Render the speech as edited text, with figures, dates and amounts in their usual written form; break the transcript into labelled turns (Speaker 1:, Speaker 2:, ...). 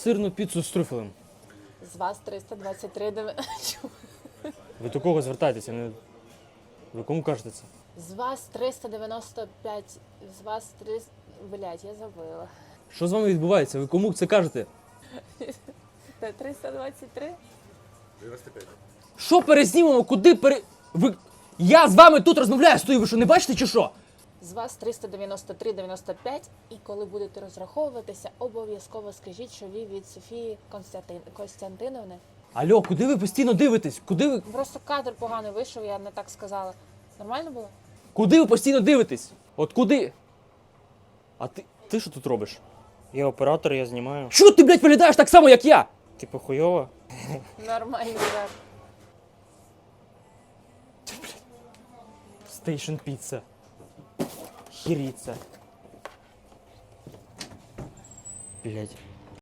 Speaker 1: сирну піцу з трюфелем.
Speaker 2: З вас 323
Speaker 1: Ви до кого звертаєтеся? Ви кому кажете це?
Speaker 2: З вас 395, з вас 300... Блядь, я забила.
Speaker 1: Що з вами відбувається? Ви кому це кажете?
Speaker 2: Це 323?
Speaker 1: Що перезнімемо? Куди Ви... Я з вами тут розмовляю, стою, ви що, не бачите чи що?
Speaker 2: З вас 393,95, і коли будете розраховуватися, обов'язково скажіть, що ви від Софії Костянтиновни.
Speaker 1: Алло, куди ви постійно дивитесь? Куди ви...
Speaker 2: Просто кадр поганий вийшов, я не так сказала. Нормально було?
Speaker 1: Куди ви постійно дивитесь? От куди? А ти що тут робиш?
Speaker 3: Я оператор, я знімаю.
Speaker 1: Що ти, блядь, виглядаєш так само, як я?
Speaker 3: Типу хуйово?
Speaker 2: Нормально, так.
Speaker 1: Стейшн піца. Хіріця. Блядь.